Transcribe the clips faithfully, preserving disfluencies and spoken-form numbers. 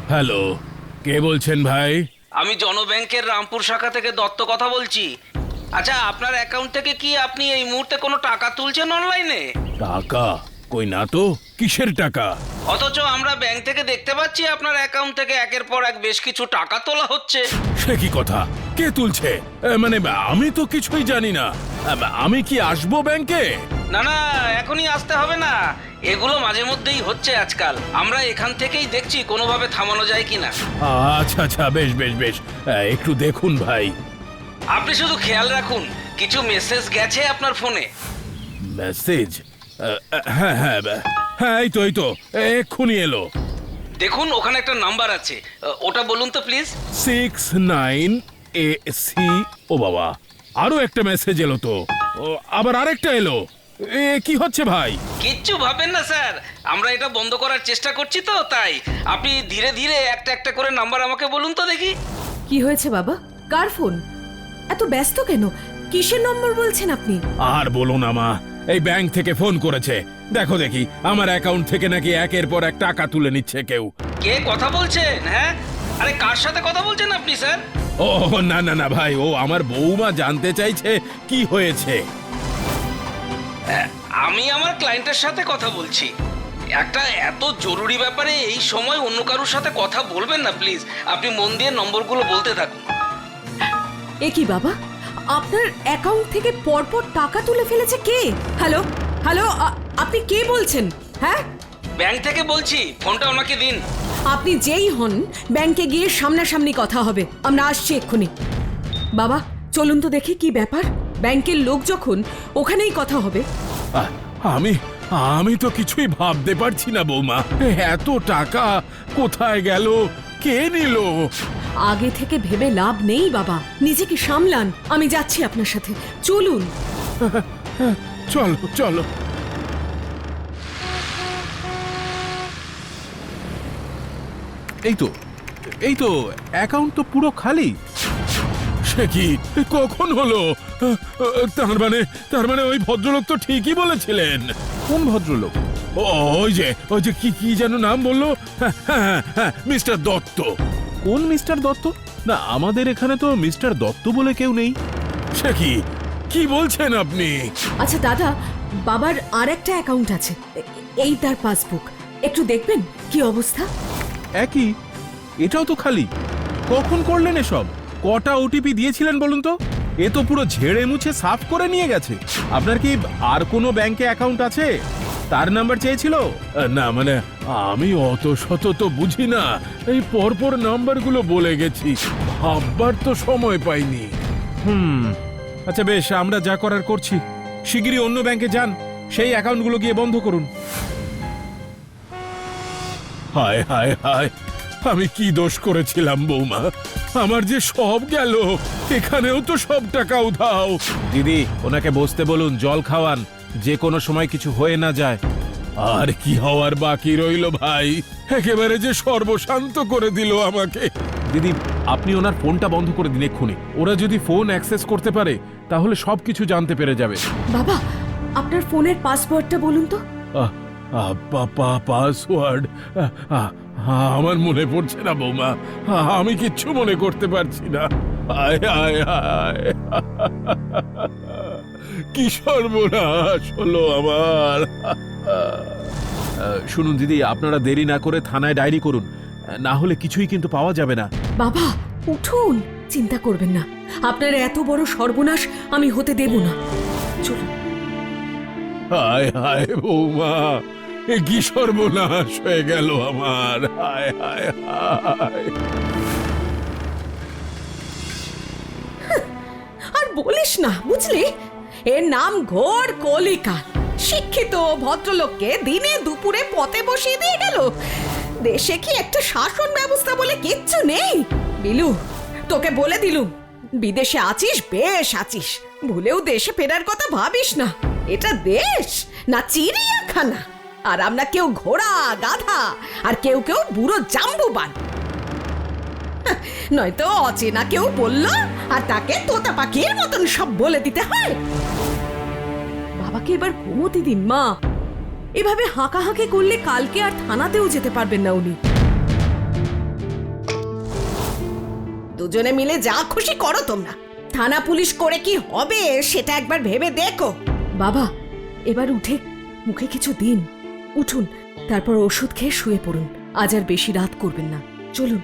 Hello, কে বলছেন ভাই? আমি জনব্যাংকের রামপুর শাখা থেকে দত্ত কথা বলছি। আচ্ছা, আপনার অ্যাকাউন্ট থেকে কি আপনি এই মুহূর্তে কোনো টাকা তুলছেন অনলাইনে? টাকা? কই না তো। কিসের টাকা? অথচ আমরা ব্যাংক থেকে দেখতে পাচ্ছি আপনার অ্যাকাউন্ট থেকে একের পর এক বেশ কিছু টাকা তোলা হচ্ছে। সে কি কথা? কে তুলছে? এ, মানে আমি তো কিছুই জানি না। এ, আমি কি আসবো ব্যাংকে? না না, এখনই আসতে হবে না। এগুলো মাঝে মধ্যেই হচ্ছে আজকাল। আমরা এখান থেকেই দেখছি কোনোভাবে থামানো যায় কিনা। আচ্ছা আচ্ছা, বেশ বেশ বেশ, এ, একটু দেখুন ভাই। আপনি শুধু খেয়াল রাখুন, কিছু মেসেজ গেছে আপনার ফোনে। মেসেজ? হ্যাঁ হ্যাঁ হ্যাঁ, এই তো এই তো এক্ষুনি এলো। দেখুন, ওখানে একটা নাম্বার আছে, ওটা বলুন তো please. Six nine A C. ও বাবা, আরো একটা মেসেজ এলো তো। ও, আবার আরেকটা এলো। এ কি হচ্ছে ভাই? কিচ্ছু ভাবেন না স্যার, আমরা এটা বন্ধ করার চেষ্টা করছি তো, তাই আপনি ধীরে ধীরে একটা একটা করে নাম্বার আমাকে বলুন তো দেখি। কি হয়েছে বাবা? কার ফোন? এত ব্যস্ত কেন? কিসের নম্বর বলছেন আপনি? আর বলো না মা, এই ব্যাংক থেকে ফোন করেছে। দেখো দেখি, আমার অ্যাকাউন্ট থেকে নাকি একের পর এক টাকা তুলে নিচ্ছে কেউ। কে কথা বলছেন? হ্যাঁ, আরে কার সাথে কথা বলছেন আপনি স্যার? ও না না না ভাই, ও আমার বউমা জানতে চাইছে কি হয়েছে। আমি আমার ক্লায়েন্টের সাথে কথা বলছি। একটা এত জরুরি ব্যাপারে এই সময় অন্য কারোর সাথে কথা বলবেন না প্লিজ। আপনি মন দিয়ে নম্বরগুলো বলতে থাকুন। এ কি বাবা, আপনার অ্যাকাউন্ট থেকে পরপর টাকা তুলে ফেলেছে কে? হ্যালো হ্যালো, আপনি কে বলছেন? হ্যাঁ, ব্যাংক থেকে বলছি, ফোনটা ওনাকে দিন। আপনি যেই হন, ব্যাংকে গিয়ে সামনাসামনি কথা হবে। আমরা আসছি এক্ষুনি। বাবা চলুন তো দেখি কি ব্যাপার। ব্যাংকের লোক যখন, ওখানেই কথা হবে। আহ, আমি আমি তো কিছুই ভাবতে পারছি না বৌমা। এত টাকা কোথায় গেল? কে নিল? আগে থেকে ভেবে লাভ নেই বাবা, নিজেকে সামলান। আমি যাচ্ছি আপনার সাথে, চলুন। চলো চলো। এই তো এই তো অ্যাকাউন্ট তো পুরো খালি। সে কি? কখন হলো? তার মানে তার মানে ওই ভদ্রলোক তো ঠিকই বলেছিলেন। কোন ভদ্রলোক? ও, ওই যে ওই যে কি কি যেন নাম বললো, হ্যাঁ হ্যাঁ হ্যাঁ, মিস্টার দত্ত। কোন মিস্টার দত্ত? না, আমাদের এখানে তো মিস্টার দত্ত বলে কেউ নেই। সে কি? কি বলছেন আপনি? আচ্ছা দাদা, বাবার আর একটা অ্যাকাউন্ট আছে, এ- এই তার পাসবুক। একটু দেখবেন কি অবস্থা। একই, এটাও তো খালি। কখন করলেন এসব? কটা ওটিপি দিয়েছিলেন বলুন তো? এ তো পুরো ঝেড়ে মুছে সাফ করে নিয়ে গেছে। আপনার কি আর কোনো ব্যাংকে অ্যাকাউন্ট আছে? তার নাম্বার চেয়েছিল? না মানে আমি অত শত তো বুঝি না, এই পরপর নাম্বারগুলো বলে গেছি, ভাববার তো সময় পাইনি। হুম, আচ্ছা বেশ, আমরা যা করার করছি। শিগগিরই অন্য ব্যাংকে যান, সেই অ্যাকাউন্টগুলো গিয়ে বন্ধ করুন। হায় হায় হায়, আমি কি দোষ করেছিলাম বৌমা? আমার যে সব গেল, এখানেও তো সব টাকা উধাও। দিদি, ওনাকে বসতে বলুন, জল খাওয়ান, যে কোনো সময় কিছু হয়ে না যায়। আর কি হওয়ার বাকি রইল ভাই? একেবারে যে সর্বশান্ত করে দিল আমাকে। দিদি, আপনি ওনার ফোনটা বন্ধ করে দিন এক্ষুনি। ওরা যদি ফোন অ্যাক্সেস করতে পারে তাহলে সবকিছু জানতে পেরে যাবে। বাবা, আপনার ফোনের পাসওয়ার্ডটা বলুন তো। আহ, আহ, পা- পা- পাসওয়ার্ড আহ, আহ, আমার মনে পড়ছে না বৌমা, আহ, আমি কিচ্ছু মনে করতে পারছি না। আয় আয় আয়, কি সর্বনাশ হলো আমার। আহ, শুনুন দিদি, আপনারা দেরি না করে থানায় ডায়েরি করুন, না হলে কিছুই কিন্তু পাওয়া যাবে না। বাবা উঠুন, চিন্তা করবেন না। আপনার এত বড় সর্বনাশ আমি হতে দেব না। চলুন। হায় হায় বৌমা, এ কি সর্বনাশ হয়ে গেল আমার। হায় হায় হায়। আর বলিস না, বুঝলি, এর নাম ঘোর কলিকাল। শিক্ষিত ভদ্রলোককে দিনে দুপুরে পথে বসিয়ে দিয়ে গেল। দেশে কি একটা শাসন ব্যবস্থা বলে কিচ্ছু নেই? বিলু, তোকে বলে দিলুম, বিদেশে আছিস বেশ আছিস, ভুলেও দেশে ফেরার কথা ভাবিস না। এটা দেশ না চিড়িয়াখানা। আর আমরা কেউ ঘোড়া গাধা, আর কেউ কেউ বুড়ো জাম্বুবান। নয়তো অচেনা কেউ বললো আর তাকে তোতা পাখির মতন সব বলে দিতে হয়। বাবাকে এবার ঘুমোতে দিন মা। এভাবে হাঁকাহাঁকি করলে কালকে আর থানাতেও যেতে পারবেন না উনি। দুজনে মিলে যা খুশি করো তোমরা। থানা পুলিশ করে কি হবে সেটা একবার ভেবে দেখো। বাবা, এবার উঠে মুখে কিছু দিন। উঠুন, তারপর ওষুধ খেয়ে শুয়ে পড়ুন। আজ আর বেশি রাত করবেন না, চলুন।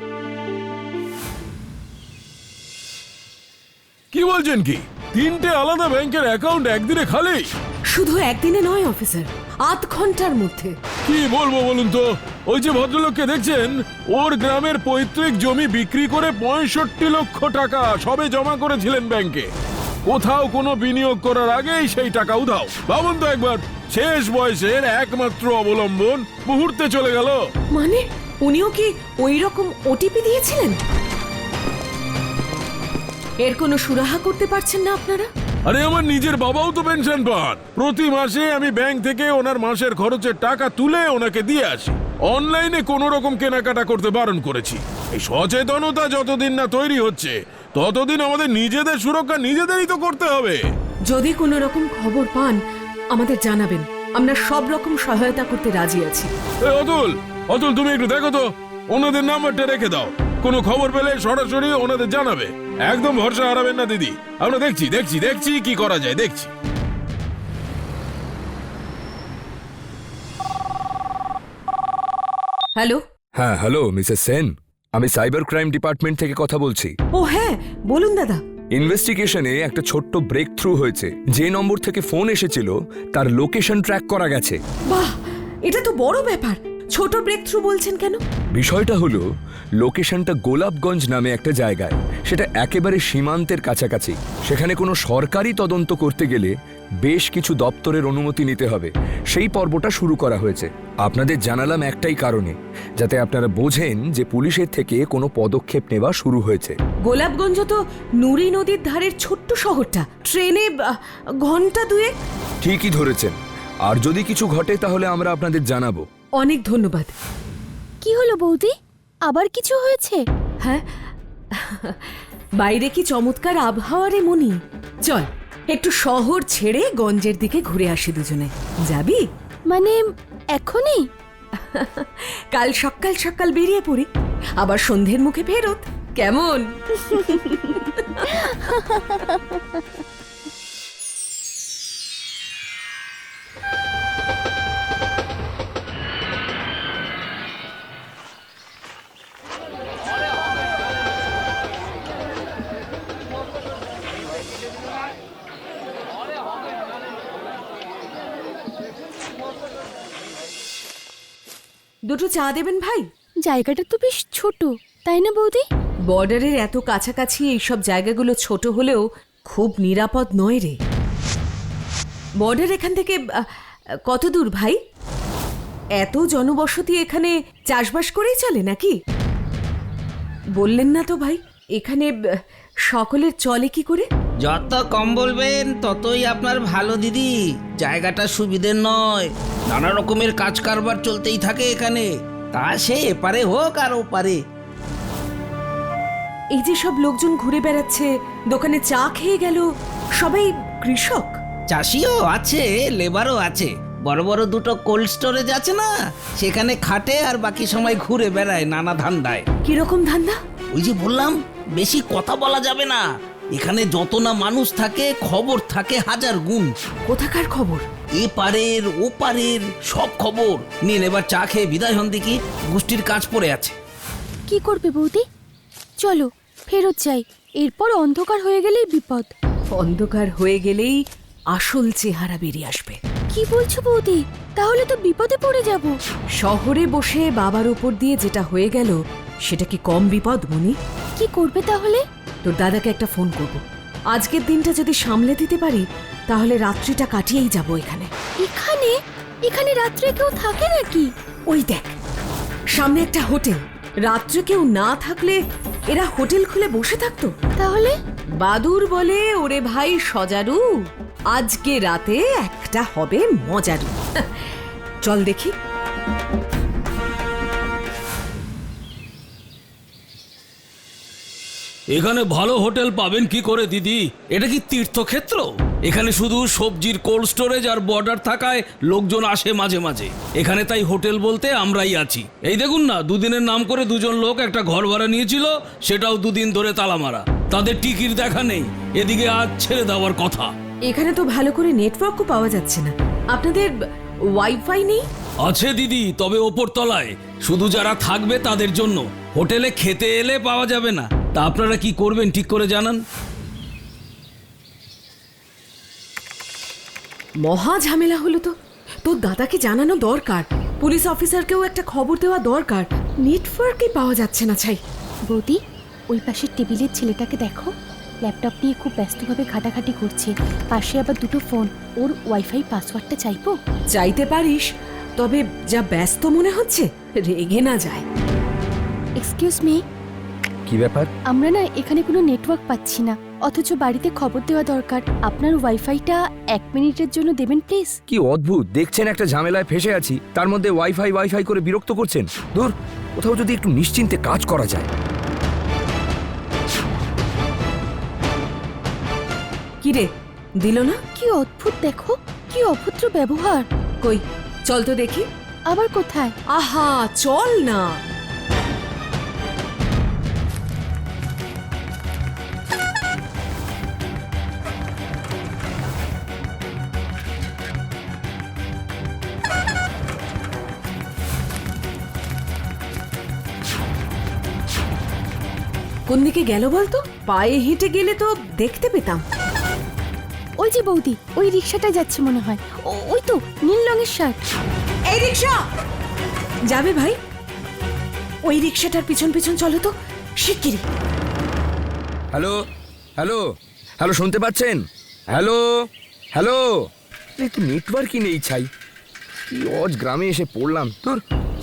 কি বলছেন কি? তিনটে আলাদা ব্যাংকের অ্যাকাউন্ট একদিনে খালি? শুধু একদিনে নয় অফিসার, আধ ঘন্টার মধ্যে। কি বলবো বলুন তো, ওই যে ভদ্রলোককে দেখছেন, ওর গ্রামের পৈতৃক জমি বিক্রি করে পঁয়ষট্টি লক্ষ টাকা সবে জমা করেছিলেন ব্যাংকে। কোথাও কোনো বিনিয়োগ করার আগেই সেই টাকা উধাও। ভাবুন তো একবার, শেষ বয়সের একমাত্র অবলম্বন মুহূর্তে চলে গেল। মানে উনিও কি ওই রকম ওটিপি দিয়েছিলেন? এর কোনো সুরাহা করতে পারছেন না আপনারা? আরে আমার নিজের বাবাও তো পেনশন পান। প্রতি মাসে আমি ব্যাংক থেকে ওনার মাসের খরচের টাকা তুলে ওনাকে দিয়ে আসি। অনলাইনে কোনো রকম কেনাকাটা করতে বারণ করেছি। এই সচেতনতা যতদিন না তৈরি হচ্ছে ততদিন আমাদের নিজেদের সুরক্ষা নিজেদেরই তো করতে হবে। যদি কোনো রকম খবর পান আমাদের জানাবেন, আমরা সব রকম সহায়তা করতে রাজি আছি। এই অতুল, অতুল তুমি একটু দেখো তো, ওনাদের নাম্বারটা রেখে দাও। কোনো খবর পেলে সরাসরি ওনাদের জানাবে। একদম ভরসা হারাবেন না দিদি। আমরা দেখছি দেখছি দেখছি কি করা যায়, দেখছি। হ্যালো। হ্যাঁ হ্যালো মিসেস সেন, আমি সাইবার ক্রাইম ডিপার্টমেন্ট থেকে কথা বলছি। ও হ্যাঁ, বলুন দাদা। ইনভেস্টিগেশনে একটা ছোট্ট ব্রেক থ্রু হয়েছে। যে নম্বর থেকে ফোন এসেছিল তার লোকেশন ট্র্যাক করা গেছে। বাহ, এটা তো বড় ব্যাপার। ছোট ব্রেক থ্রু বলছেন কেন? বিষয়টা হলো, লোকেশনটা গোলাপগঞ্জ নামে একটা জায়গায়। সেটা একেবারে সীমান্তের কাছাকাছি। সেখানে কোনো সরকারি তদন্ত করতে গেলে বেশ কিছু দপ্তরের অনুমতি নিতে হবে। সেই পর্বটা শুরু করা হয়েছে। আপনাদের জানালাম একটাই কারণে, যাতে আপনারা বোঝেন যে পুলিশের থেকে কোনো পদক্ষেপ নেওয়া শুরু হয়েছে। গোলাপগঞ্জ তো নুরি নদীর ধারের ছোট্ট শহরটা। ট্রেনে আহ, ঘন্টা দুয়েক। ঠিকই ধরেছেন। আর যদি কিছু ঘটে তাহলে আমরা আপনাদের জানাবো। অনেক ধন্যবাদ। কি হলো বৌদি, আবার কিছু হয়েছে? হ্যাঁ, বাইরে কি চমৎকার আবহাওয়া রে মনি। চল একটু শহর ছেড়ে গঞ্জের দিকে ঘুরে আসি দুজনে। যাবি? মানে এখনই? কাল সকাল সকাল বেরিয়ে পড়ি, আবার সন্ধ্যের মুখে ফেরত। কেমন? দুটো চা দেবেন ভাই? জায়গাটা তো বেশ ছোট, তাই না বৌদি? বর্ডারের এত কাছাকাছি এইসব জায়গাগুলো ছোট হলেও খুব নিরাপদ নয় রে। বর্ডার এখান থেকে আহ, কত দূর ভাই? এত জনবসতি, এখানে চাষবাস করেই চলে নাকি? বললেন না তো ভাই, এখানে আহ, সকলের চলে কি করে? যত কম বলবেন ততই আপনার ভালো দিদি। জায়গাটা সুবিধের নয়, নানা রকমের কাজ কারবার চলতেই থাকে এখানে, তা সে এপারে হোক আর ওপারে। এই যে সব লোকজন ঘুরে বেড়াচ্ছে, দোকানে চা খেয়ে গেল, সবাই কৃষক? চাষিও আছে, লেবারও আছে। বড় বড় দুটো কোল্ড স্টোরেজ আছে না, সেখানে খাটে আর বাকি সময় ঘুরে বেড়ায় নানা ধান্দায়। কিরকম ধান্দা? ওই যে বললাম, বেশি কথা বলা যাবে না। এখানে যত না মানুষ থাকে, খবর থাকে হাজার গুণ। কোথাকার খবর? এপারের ওপারের সব খবর নিয়ে এবার চা খেয়ে বিদায় হন দেখি, গোষ্ঠীর কাজ পড়ে আছে। কি করবে বৌদি? চলো ফেরত যাই, এরপর অন্ধকার হয়ে গেলেই বিপদ। অন্ধকার হয়ে গেলেই আসল চেহারা বেরিয়ে আসবে। কি বলছো বৌদি? তাহলে তো বিপদে পড়ে যাব। শহরে বসে বাবার উপর দিয়ে যেটা হয়ে গেল, সেটা কি কম বিপদ মনি? কি করবে তাহলে? তোর দাদাকে একটা ফোন করব। আজকের দিনটা যদি সামলে দিতে পারি তাহলে রাত্রিটা কাটিয়েই যাব এখানে। এখানে? এখানে রাত্রে কেউ থাকে নাকি? ওই দেখ, সামনে একটা হোটেল। রাত্রে কেউ না থাকলে এরা হোটেল খুলে বসে থাকতো? তাহলে? বাদুর বলে, ওরে ভাই সজারু, আজকে রাতে একটা হবে মজারু। চল দেখি। এখানে ভালো হোটেল পাবেন কি করে দিদি? এটা কি তীর্থক্ষেত্র? এখানে শুধু সবজির কোল্ড স্টোরেজ আর বর্ডার থাকায় লোকজন আসে মাঝে মাঝে। এখানে তাই হোটেল বলতে আমরাই আছি। এই দেখুন না, দুদিনের নাম করে দুজন লোক একটা ঘর ভাড়া নিয়েছিল, সেটাও দুদিন ধরে তালা মারা। তাদের টিকিট দেখা নেই, এদিকে আজ ছেড়ে দেওয়ার কথা। এখানে তো ভালো করে নেটওয়ার্কও পাওয়া যাচ্ছে না। আপনাদের ওয়াইফাই নেই? আছে দিদি, তবে ওপর তলায়, শুধু যারা থাকবে তাদের জন্য। হোটেলে খেতে এলে পাওয়া যাবে না। তা আপনারা কি করবেন ঠিক করে জানান। মহা ঝামেলা হলো তো। তোর দাদাকে জানানো দরকার, পুলিশ অফিসারকেও একটা খবর দেওয়া দরকার। নেটওয়ার্কই পাওয়া যাচ্ছে না। ছাই বৌদি, ওই পাশের টেবিলের ছেলেটাকে দেখো, ল্যাপটপ নিয়ে খুব ব্যস্তভাবে ঘাটাঘাটি করছে। পাশে আবার দুটো ফোন। ওর ওয়াইফাই পাসওয়ার্ডটা চাইবো? চাইতে পারিস, তবে যা ব্যস্ত মনে হচ্ছে, রেগে না যায়। এক্সকিউজ মি, কি ব্যাপার? আমরা না এখানে কোনো নেটওয়ার্ক পাচ্ছি না, অথচ বাড়িতে খবর দেওয়া দরকার। আপনার ওয়াইফাইটা এক মিনিটের জন্য দেবেন প্লিজ। কি অদ্ভুত, দেখছেন একটা ঝামেলায় ফেসে আছি, তার মধ্যে ওয়াইফাই ওয়াইফাই করে বিরক্ত করছেন। দূর, কোথাও যদি একটু নিশ্চিন্তে কাজ করা যায়। কি রে, দিল না? কি অদ্ভুত, দেখো কি অভদ্র ব্যবহার। কই, চল তো দেখি। আবার কোথায়? আহা, চল না। কোন দিকে গেল বলতো? পায়ে হেঁটে গেলে তো দেখতে পেতাম। ওই যে বৌদি, ওই রিক্সাটায় যাচ্ছে মনে হয়। ও- ওই তো নীল রঙের শার্ট। এই রিক্সা যাবে ভাই, ওই রিক্সাটার পিছন পিছন চলো তো শিগগিরি। হ্যালো হ্যালো হ্যালো, শুনতে পাচ্ছেন? হ্যালো হ্যালো, একটু নেটওয়ার্কই নেই। ছাই, কি অজ গ্রামে এসে পড়লাম। তোর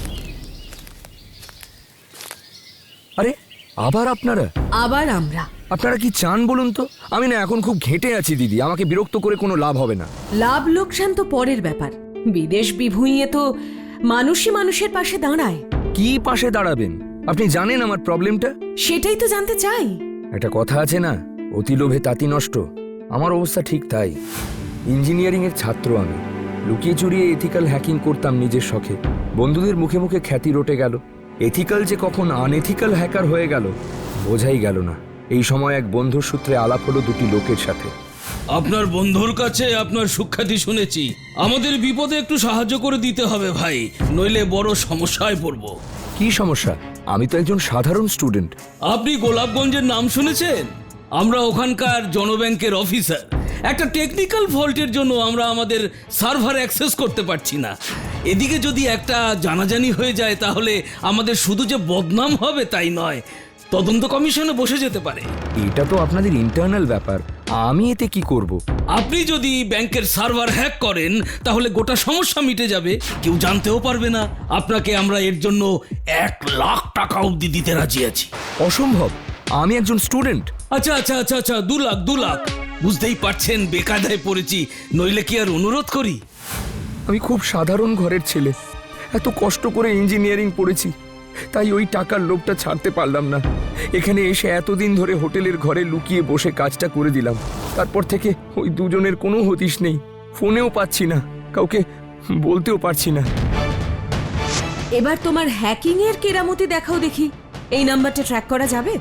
আরে, আবার আপনারা? আবার আমরা? আপনারা কি চান বলুন তো? আমি না এখন খুব ঘেঁটে আছি দিদি, আমাকে বিরক্ত করে কোনো লাভ হবে না। লাভ লোকসান তো পরের ব্যাপার। বিদেশ বিভুঁইয়ে তো মানুষই মানুষের পাশে দাঁড়ায়। কি পাশে দাঁড়াবেন? আপনি জানেন আমার প্রবলেমটা? সেটাই তো জানতে চাই। একটা কথা আছে না, অতি লোভে তাঁতি নষ্ট। আমার অবস্থা ঠিক তাই। ইঞ্জিনিয়ারিং এর ছাত্র আমি, লুকিয়ে চুরিয়ে এথিক্যাল হ্যাকিং করতাম নিজের শখে। বন্ধুদের মুখে মুখে খ্যাতি রটে গেল। এথিক্যাল যে কখন আনএথিক্যাল হ্যাকার হয়ে গেল বোঝাই গেল না। এই সময় এক বন্ধুর সূত্রে আলাপ হলো দুটি লোকের সাথে। আপনার বন্ধুর কাছে আপনার সুখ্যাতি শুনেছি। আমাদের বিপদে একটু সাহায্য করে দিতে হবে ভাই, নইলে বড় সমস্যায় পড়ব। কি সমস্যা? আমি তো একজন সাধারণ স্টুডেন্ট। আপনি গোলাপগঞ্জের নাম শুনেছেন? আমরা ওখানকার জনব্যাংকের অফিসার। একটা টেকনিক্যাল ফল্টের জন্য আমরা আমাদের সার্ভার অ্যাক্সেস করতে পারছি না। এদিকে যদি একটা জানাজানি হয়ে যায় তাহলে আমাদের শুধু যে বদনাম হবে তাই নয়, তদন্ত কমিশনে বসে যেতে পারে। এটা তো আপনাদের ইন্টারনাল ব্যাপার, আমি এতে কি করব? আপনি যদি ব্যাংকের সার্ভার হ্যাক করেন তাহলে গোটা সমস্যা মিটে যাবে, কেউ জানতেও পারবে না। আপনাকে আমরা এর জন্য এক লাখ টাকা অবধি দিতে রাজি আছি। অসম্ভব, আমি একজন স্টুডেন্ট। আচ্ছা আচ্ছা আচ্ছা আচ্ছা দু লাখ দু লাখ বুঝতেই পারছেন বেকায়দায় পড়েছি, নইলে কি আর অনুরোধ করি? আমি খুব সাধারণ ঘরের ছেলে, এত কষ্ট করে ইঞ্জিনিয়ারিং পড়েছি, তাই ওই টাকার লোভটা ছাড়তে পারলাম না। এখানে এসে এতদিন ধরে হোটেলের ঘরে লুকিয়ে বসে কাজটা করে দিলাম। তারপর থেকে ওই দুজনের কোনো হদিশ নেই, ফোনেও পাচ্ছি না, কাউকে বলতেও পারছি না। এবার তোমার হ্যাকিং এর কেরামতি দেখাও দেখি। এই নাম্বারটা ট্র্যাক করা যাবে?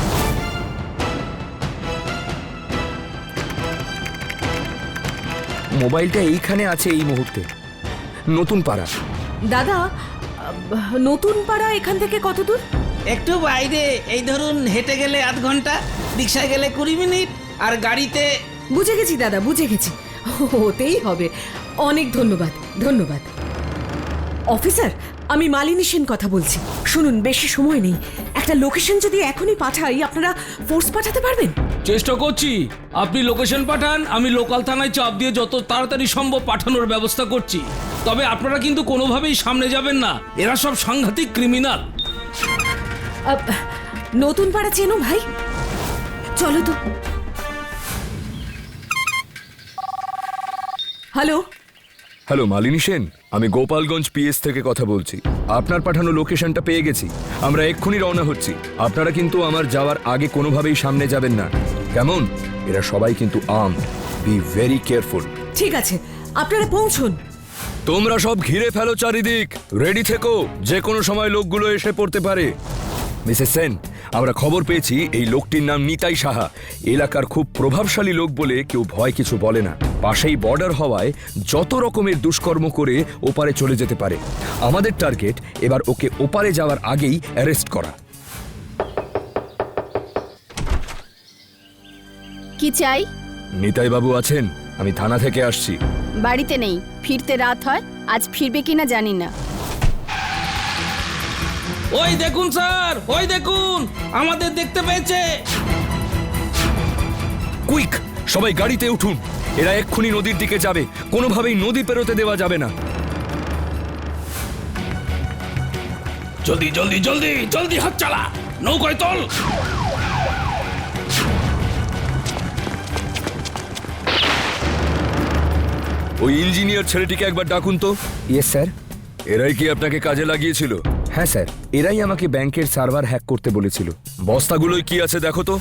মোবাইলটা এইখানে আছে এই মুহূর্তে, নতুন পাড়া। দাদা, আহ, নতুন পাড়া এখান থেকে কত দূর? একটু বাইরে, এই ধরুন হেঁটে গেলে আধ ঘন্টা, রিক্সায় গেলে কুড়ি মিনিট, আর গাড়িতে। বুঝে গেছি দাদা, বুঝে গেছি। হতেই হবে। অনেক ধন্যবাদ, ধন্যবাদ। অফিসার, আমি মালিনী সেন কথা বলছি। শুনুন, বেশি সময় নেই। একটা লোকেশন যদি এখনই পাঠাই, আপনারা ফোর্স পাঠাতে পারবেন? চেষ্টা করছি। আপনি লোকেশন পাঠান, আমি লোকাল থানায় চাপ দিয়ে যত তাড়াতাড়ি সম্ভব পাঠানোর ব্যবস্থা করছি। তবে আপনারা কিন্তু কোনোভাবেই সামনে যাবেন না, এরা সব সাংঘাতিক ক্রিমিনাল। আহ, নতুন পাড়া চেনো ভাই? চলো তো। হ্যালো হ্যালো, মালিনী সেন, আমি গোপালগঞ্জ পিএস থেকে কথা বলছি। আপনার পাঠানো লোকেশনটা পেয়ে গেছি, আমরা এক্ষুনি রওনা হচ্ছি। আপনারা কিন্তু আমার যাওয়ার আগে কোনোভাবেই সামনে যাবেন না, কেমন? এরা সবাই কিন্তু আর্মড। Be very careful. ঠিক আছে, আপনারা পৌঁছুন। তোমরা সব ঘিরে ফেলো চারিদিক, রেডি থেকো, যে কোনো সময় লোকগুলো এসে পড়তে পারে। মিসেস সেন, আমরা খবর পেয়েছি এই লোকটির নাম নিতাই সাহা। এলাকার খুব প্রভাবশালী লোক বলে কেউ ভয় কিছু বলে না। পাশেই বর্ডার হওয়ায় যত রকমের দুষ্কর্ম করে ওপারে চলে যেতে পারে। আমাদের টার্গেট এবার ওকে ওপারে যাওয়ার আগেই অ্যারেস্ট করা। কি চাই? নিতাই বাবু আছেন? আমি থানা থেকে আসছি। বাড়িতে নেই, ফিরতে রাত হয়, আজ ফিরবে কিনা জানি না। ওই দেখুন স্যার, ওই দেখুন, আমাদের দেখতে পেয়েছে। কুইক, সবাই গাড়িতে উঠুন, এরা এক্ষুনি নদীর দিকে যাবে, কোনোভাবেই নদী পেরোতে দেওয়া যাবে না। জলদি জলদি জলদি জলদি হাত চালা, নৌকায় তোল। ওই ইঞ্জিনিয়ার ছেলেটিকে একবার ডাকুন তো। Yes sir. এরাই কি আপনাকে কাজে লাগিয়েছিল? হ্যাঁ স্যার, এরাই আমাকে ব্যাংকের সার্ভার হ্যাক করতে বলেছিল। বস্তাগুলোয় কি আছে দেখো তো।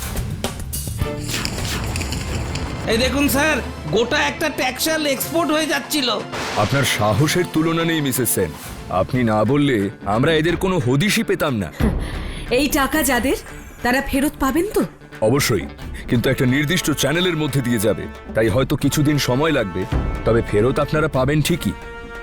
এই দেখুন স্যার, গোটা একটা ট্যাক্সাল এক্সপোর্ট হয়ে যাচ্ছিল। আপনার সাহসের তুলনা নেই মিসেস সেন। আপনি না বললে আমরা এদের কোনো হদিশই পেতাম না। এই টাকা যাদের, তারা ফেরত পাবেন তো? অবশ্যই, কিন্তু একটা নির্দিষ্ট চ্যানেলের মধ্যে দিয়ে যাবে, তাই হয়তো কিছুদিন সময় লাগবে, তবে ফেরত আপনারা পাবেন ঠিকই।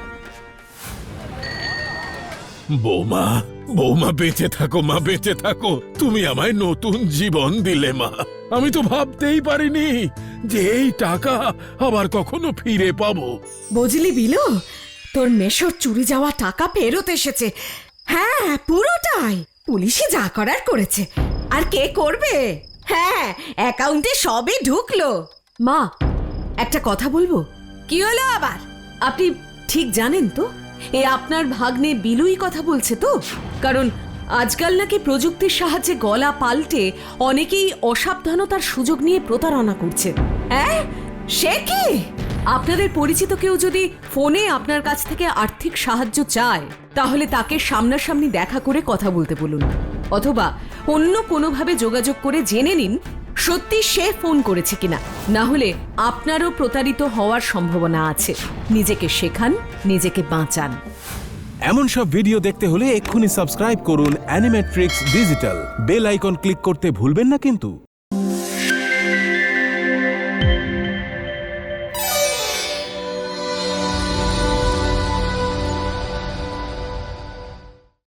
বৌমা, বৌমা বেঁচে থাকো মা, বেঁচে থাকো। তুমি আমায় নতুন জীবন দিলে মা। আমি তো ভাবতেই পারিনি যে এই টাকা আবার কখনো ফিরে পাবো। বুঝলি বিলু, তোর মেশোর চুরি যাওয়া টাকা ফেরত এসেছে। হ্যাঁ, পুরোটাই। পুলিশে যা করার করেছে, আর কে করবে? হ্যাঁ, অ্যাকাউন্টে সবই ঢুকলো। মা, একটা কথা বলবো। কি হলো আবার? আপনি ঠিক জানেন তো এ আপনার ভাগ্নে বিলুই কথা বলছে তো? কারণ আজকাল নাকি প্রযুক্তির সাহায্যে গলা পাল্টে অনেকেই অসাবধানতার সুযোগ নিয়ে প্রতারণা করছে। হ্যাঁ, সে কি? আপনাদের পরিচিত কেউ যদি ফোনে আপনার কাছ থেকে আর্থিক সাহায্য চায়, তাহলে তাকে সামনাসামনি দেখা করে কথা বলতে বলুন, অথবা অন্য কোনোভাবে যোগাযোগ করে জেনে নিন সত্যি সে ফোন করেছে কিনা। না হলে আপনারও প্রতারিত হওয়ার সম্ভাবনা আছে। নিজেকে শেখান, নিজেকে বাঁচান। এমন সব ভিডিও দেখতে হলে এক্ষুনি সাবস্ক্রাইব করুন Animetrix digital. Bell icon click করতে ভুলবেন না কিন্তু।